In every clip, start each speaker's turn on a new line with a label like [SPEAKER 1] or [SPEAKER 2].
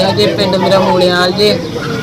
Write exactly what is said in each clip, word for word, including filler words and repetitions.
[SPEAKER 1] ਸਿੰਘ ਜੀ, ਪਿੰਡ ਮੇਰਾ ਮੂਲਿਆਲ ਜੀ।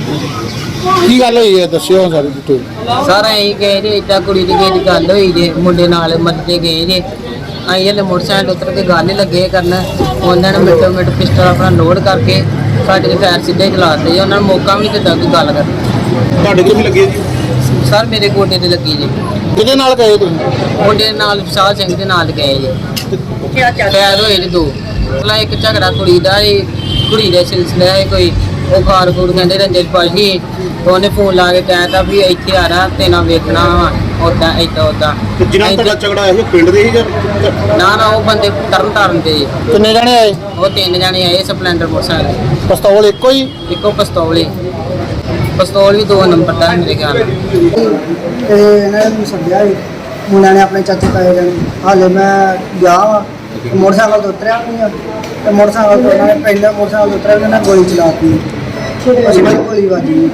[SPEAKER 2] ਕੀ ਗੱਲ ਹੋਈ ਹੈ ਦੱਸਿਓ ਸਾਰੀ ਡਿਟੇਲ।
[SPEAKER 1] ਸਰ ਅਸੀਂ ਗਏ ਜੀ, ਇੱਦਾਂ ਕੁੜੀ ਦੀ ਕਿਸੇ ਦੀ ਗੱਲ ਹੋਈ ਜੀ, ਮੁੰਡੇ ਨਾਲ ਮੱਤੇ ਗਏ ਜੀ। ਅਸੀਂ ਹਲੇ ਮੋਟਰਸਾਈਕਲ ਉਤਰ ਕੇ ਗੱਲ ਹੀ ਲੱਗੇ ਕਰਨ, ਉਹਨਾਂ ਨੇ ਮਿੰਟੋ ਮਿੰਟ ਪਿਸਟਲ ਆਪਣਾ ਲੋਡ ਕਰਕੇ ਸਾਡੇ ਦੇ ਫਾਇਰ ਸਿੱਧੇ ਚਲਾਤੇ ਜੀ। ਉਹਨਾਂ ਨੂੰ ਮੌਕਾ ਵੀ ਨਹੀਂ ਦਿੱਤਾ ਕੋਈ ਗੱਲ ਕਰਨ।
[SPEAKER 2] ਤੁਹਾਡੇ ਕੋਲ ਵੀ ਲੱਗੇ ਜੀ?
[SPEAKER 1] ਸਰ ਮੇਰੇ ਗੋਡੇ ਤੇ ਲੱਗੀ ਜੀ।
[SPEAKER 2] ਕਿਹਦੇ ਨਾਲ ਗਏ ਤੁਸੀਂ?
[SPEAKER 1] ਮੁੰਡੇ ਦੇ ਨਾਲ ਵਿਸ਼ਾਲ ਸਿੰਘ ਦੇ ਨਾਲ ਗਏ ਜੀ। ਫਾਇਰ ਹੋਏ ਜੀ ਦੋ। ਪਹਿਲਾਂ ਇੱਕ ਝਗੜਾ ਕੁੜੀ ਦਾ ਜੀ, ਕੁੜੀ ਦੇ ਸਿਲਸਿਲੇ ਹੈ ਕੋਈ, ਉਹ ਖਾਰ ਖੂਰ ਕਹਿੰਦੇ ਰੰਜਨ ਪਾਸ਼ੀ। ਉਹਨੇ ਫੋਨ ਲਾ ਕੇ ਕਹਿਤਾ ਵੀ ਇੱਥੇ ਆ ਰਹਾ ਤੇ ਨਾ ਵੇਖਣਾ ਵਾ ਉਦਾਂ ਏਦਾਂ ਉਦਾਂ।
[SPEAKER 2] ਜਿਨ੍ਹਾਂ ਤੁਹਾਡਾ ਝਗੜਾ ਹੋਇਆ ਸੀ ਪਿੰਡ ਦੇ ਹੀ ਜਾਂ?
[SPEAKER 1] ਨਾ ਨਾ ਉਹ ਬੰਦੇ ਤਰਨ ਤਾਰਨ ਦੇ ਜੀ।
[SPEAKER 2] ਕਿੰਨੇ ਜਣੇ ਆਏ?
[SPEAKER 1] ਉਹ ਤਿੰਨ ਜਣੇ ਆਏ ਸਪਲੈਂਡਰ ਮੋਟਰਸਾਈਕਲ।
[SPEAKER 2] ਪਿਸਤੌਲ ਇੱਕੋ ਹੀ?
[SPEAKER 1] ਇੱਕੋ ਪਿਸਤੌਲ ਹੀ, ਪਿਸਤੌਲ ਵੀ ਦੋ ਨੰਬਰ ਦਾ ਮੇਰੇ ਖਿਆਲ ਨਾਲ।
[SPEAKER 3] ਤੇ ਇਹਨਾਂ ਨੇ ਮੈਨੂੰ ਸੱਦਿਆ ਸੀ ਮੁੰਡਿਆਂ ਨੇ, ਆਪਣੇ ਚਾਚੇ ਤਾਏ ਜਾਣੇ। ਹਾਲੇ ਮੈਂ ਗਿਆ ਵਾ ਮੋਟਰਸਾਈਕਲ ਤੋਂ ਉਤਰਿਆ ਨਹੀਂ ਆ, ਤੇ ਮੋਟਰਸਾਈਕਲ ਤੋਂ ਉਹਨਾਂ ਨੇ ਪਹਿਲਾਂ ਮੋਟਰਸਾਈਕਲ ਤੋਂ ਉਤਰਿਆ ਉਹਨਾਂ ਨੇ ਗੋਲੀ ਚਲਾਤੀ। ਅਸੀਂ ਬੜੀ ਗੋਲੀ ਵੱਜੀ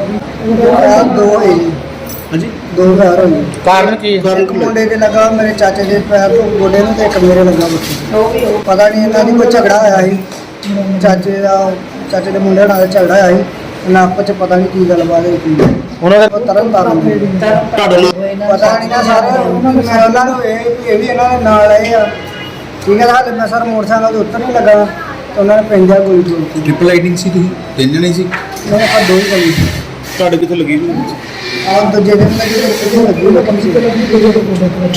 [SPEAKER 3] ਆ, ਦੋ ਹੋਏ ਜੀ।
[SPEAKER 2] ਹਾਂਜੀ,
[SPEAKER 3] ਦੋ ਫਾਇਰ ਹੋਏ।
[SPEAKER 2] ਕਾਰਨ ਕੀ?
[SPEAKER 3] ਇੱਕ ਮੁੰਡੇ ਦੇ ਲੱਗਾ ਮੇਰੇ ਚਾਚੇ ਦੇ ਪੈਰ ਤੋਂ ਗੋਡੇ ਨੂੰ, ਤੇ ਇੱਕ ਮੇਰੇ ਲੱਗਾ ਬੱਚੇ। ਪਤਾ ਨਹੀਂ ਇਹਨਾਂ ਦੀ ਕੋਈ ਝਗੜਾ ਹੋਇਆ ਸੀ, ਚਾਚੇ ਦਾ ਚਾਚੇ ਦੇ ਮੁੰਡੇ ਨਾਲ ਝਗੜਾ ਹੋਇਆ ਸੀ। ਇਹਨਾਂ ਆਪਸ ਚ ਪਤਾ ਨਹੀਂ ਕੀ ਗੱਲਬਾਤ ਹੋਈ ਸੀ।
[SPEAKER 2] ਉਹਨਾਂ
[SPEAKER 3] ਉਹ ਤਰਨ ਤਾਰਨ ਦੇ
[SPEAKER 2] ਤੁਹਾਡੇ ਨਾਲ
[SPEAKER 3] ਪਤਾ ਨਹੀਂ ਨਾ ਸਾਰੇ ਉਹਨਾਂ ਨੂੰ ਮੈਂ ਉਹਨਾਂ ਨੂੰ ਇਹ ਵੀ ਇਹ ਵੀ ਇਹਨਾਂ ਦੇ ਨਾਲ ਆਏ ਆ। ਠੀਕ ਹੈ, ਹਾਲੇ ਮੈਂ ਸਰ ਮੋਟਰਸਾਈਕਲ ਤੋਂ ਉੱਤਰ ਨਹੀਂ ਲੱਗਾ ਤੇ ਉਹਨਾਂ ਨੇ ਪੈਂਦਿਆ ਗੋਲੀ ਚਲਾਤੀ।
[SPEAKER 4] ਟ੍ਰਿਪਲ ਲਾਈਟਿੰਗ ਸੀ, ਤੁਸੀਂ ਤਿੰਨ ਜਣੇ ਸੀ?
[SPEAKER 3] ਮੇਰੇ ਆਪਾਂ ਦੋ ਹੀ ਗੋਲੀ ਸੀ।
[SPEAKER 2] ਤੁਹਾਡੇ ਕਿੱਥੇ ਲੱਗੀ ਵੀ?
[SPEAKER 3] ਆਹ ਦੂਜੇ ਦਿਨ ਲੱਗੀ ਤੇ ਕਿਤੇ ਲੱਗੀ ਨਾ ਕਮ ਸੀ।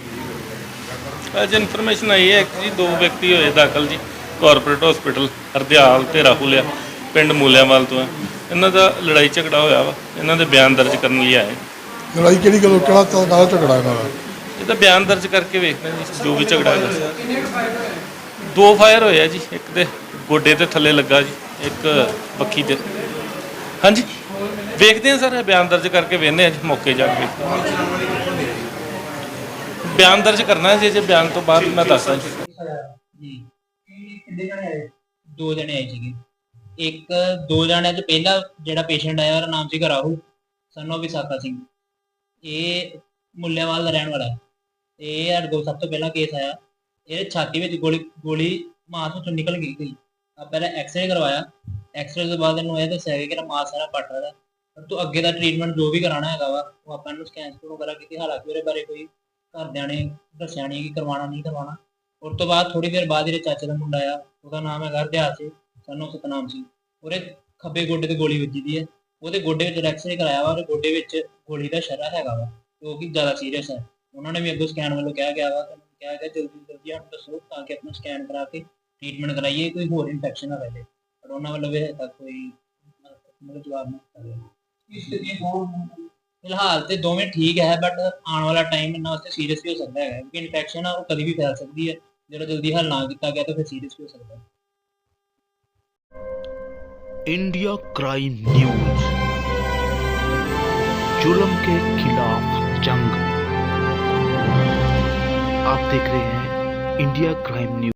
[SPEAKER 5] ਅੱਜ ਇਨਫੋਰਮੇਸ਼ਨ ਆਈ ਹੈ ਕਿ ਜੀ ਦੋ ਵਿਅਕਤੀ ਹੋਏ ਦਾਖਲ ਜੀ ਕਾਰਪੋਰੇਟ ਹਸਪੀਟਲ ਹਰਦਿਆਲ ਤੇ ਰਾਹੁਲ ਆ, ਪਿੰਡ ਮੂਲਿਆਂਵਾਲ ਤੋਂ ਹੈ। ਇਹਨਾਂ ਦਾ ਲੜਾਈ ਝਗੜਾ ਹੋਇਆ ਵਾ, ਇਹਨਾਂ ਦੇ ਬਿਆਨ ਦਰਜ ਕਰਨ ਲਈ ਆਏ।
[SPEAKER 2] ਲੜਾਈ ਕਿਹੜੀ ਗੱਲੋਂ, ਕਿਹੜਾ ਕਾਹਦਾ ਝਗੜਾ ਇਹਨਾਂ ਦਾ?
[SPEAKER 5] ਇਹਦਾ ਬਿਆਨ ਦਰਜ ਕਰਕੇ ਵੇਖਦੇ ਜੀ ਜੋ ਵੀ ਝਗੜਾ ਹੈਗਾ। ਦੋ ਫਾਇਰ ਹੋਏ ਆ ਜੀ, ਇੱਕ ਦੇ ਗੋਡੇ ਤੇ ਥੱਲੇ ਲੱਗਾ ਜੀ, ਇੱਕ ਬੱਖੀ ਤੇ। ਹਾਂਜੀ ਵੇਖਦੇ ਹਾਂ ਸਰ, ਬਿਆਨ ਦਰਜ ਕਰਕੇ ਵੇਖਦੇ ਹਾਂ ਜੀ, ਮੌਕੇ ਜਾ ਕੇ ਬਿਆਨ ਦਰਜ ਕਰਨਾ ਜੀ। ਜੇ ਬਿਆਨ ਤੋਂ ਬਾਅਦ ਮੈਂ ਦੱਸਦਾ ਜੀ।
[SPEAKER 6] ਦੋ ਜਣੇ ਆਏ ਸੀਗੇ। ਇੱਕ ਦੋ ਜਣਿਆਂ ਚ ਪਹਿਲਾ ਜਿਹੜਾ ਪੇਸ਼ੈਂਟ ਆਇਆ ਉਹਦਾ ਨਾਮ ਸੀਗਾ ਰਾਹੁਲ, ਸਨ ਆਫ ਵਿਸਾਖਾ ਸਿੰਘ। ਇਹ ਮੁੱਲਿਆਂਵਾਲ ਦਾ ਰਹਿਣ ਵਾਲਾ ਹੈ। ਇਹ ਸਾਡੇ ਕੋਲ ਸਭ ਤੋਂ ਪਹਿਲਾਂ ਕੇਸ ਆਇਆ। ਇਹ ਛਾਤੀ ਵਿੱਚ ਗੋਲੀ ਗੋਲੀ ਮਾਸ ਵਿੱਚੋਂ ਨਿਕਲ ਗਈ ਸੀ। ਆ ਪਹਿਲਾਂ ਐਕਸਰੇ ਕਰਵਾਇਆ। ਐਕਸਰੇ ਤੋਂ ਬਾਅਦ ਇਹਨੂੰ ਇਹ ਦੱਸਿਆ ਗਿਆ ਕਿ ਮਾਸ ਸਾਰਾ ਪੱਟ ਰਿਹਾ। ਪਰ ਤੂੰ ਅੱਗੇ ਦਾ ਟ੍ਰੀਟਮੈਂਟ ਜੋ ਵੀ ਕਰਾਉਣਾ ਹੈਗਾ ਵਾ ਉਹ ਆਪਾਂ ਇਹਨੂੰ ਸਕੈਨ ਸਕੂਨ ਵਗੈਰਾ ਕੀਤੀ। ਹਾਲਾਂਕਿ ਉਹਦੇ ਬਾਰੇ ਕੋਈ ਘਰਦਿਆਂ ਨੇ ਦੱਸਿਆ ਨਹੀਂ ਕਿ ਕਰਵਾਉਣਾ ਨਹੀਂ ਕਰਵਾਉਣਾ। ਉਸ ਤੋਂ ਬਾਅਦ ਥੋੜੀ ਦੇਰ ਬਾਅਦ ਇਹਦੇ ਚਾਚੇ ਦਾ ਮੁੰਡਾ ਆਇਆ, ਉਹਦਾ ਨਾਮ ਹੈਗਾ ਹਰਦਿਆਲ ਸਿੰਘ, ਸਾਨੂੰ ਸਤਨਾਮ ਸਿੰਘ। ਉਹਦੇ ਖੱਬੇ ਗੋਡੇ ਤੇ ਗੋਲੀ ਵੱਜੀ ਦੀ ਹੈ। ਉਹਦੇ ਗੋਡੇ ਵਿੱਚ ਐਕਸਰੇ ਕਰਾਇਆ ਵਾ, ਉਹਦੇ ਗੋਡੇ ਵਿੱਚ ਗੋਲੀ ਦਾ ਸ਼ਰਾ ਹੈਗਾ ਵਾ, ਜੋ ਕਿ ਜ਼ਿਆਦਾ ਸੀਰੀਅਸ ਹੈ। ਉਹਨਾਂ ਨੇ ਵੀ ਅੱਗੋਂ ਸਕੈਨ ਵੱਲੋਂ ਕਿਹਾ ਗਿਆ ਵਾ, ਕਿਹਾ ਗਿਆ ਜਲਦੀ ਜਲਦੀ ਸਾਨੂੰ ਦੱਸੋ ਤਾਂ ਕਿ ਆਪਣਾ ਸਕੈਨ ਕਰਾ ਕੇ ਟ੍ਰੀਟਮੈਂਟ ਕਰਾਈਏ, ਕੋਈ ਹੋਰ ਇਨਫੈਕਸ਼ਨ ਨਾ ਰਹੇ। ਪਰ ਉਹਨਾਂ ਵੱਲੋਂ ਵੀ ਹਜੇ ਤੱਕ ਕੋਈ ਮਤਲਬ ਜਵਾਬ ਨਹੀਂ ਦਿੱਤਾ। ਫਿਲਹਾਲ ਤੇ ਦੋਵੇਂ ਠੀਕ ਹੈ, ਬਟ ਆਉਣ ਵਾਲਾ ਟਾਈਮ ਇਹਨਾਂ ਵਾਸਤੇ ਸੀਰੀਅਸ ਵੀ ਹੋ ਸਕਦਾ ਹੈ, ਕਿਉਂਕਿ ਇਨਫੈਕਸ਼ਨ ਆ ਉਹ ਕਦੀ ਵੀ ਫੈਲ ਸਕਦੀ ਹੈ। ਜਦੋਂ ਜਲਦੀ ਹੱਲ ਨਾ ਕੀਤਾ ਗਿਆ ਤਾਂ ਫਿਰ ਸੀਰੀਅਸ ਵੀ ਹੋ सकता है।
[SPEAKER 7] इंडिया क्राइम न्यूज, जुल्म के खिलाफ जंग। आप देख रहे हैं इंडिया क्राइम न्यूज।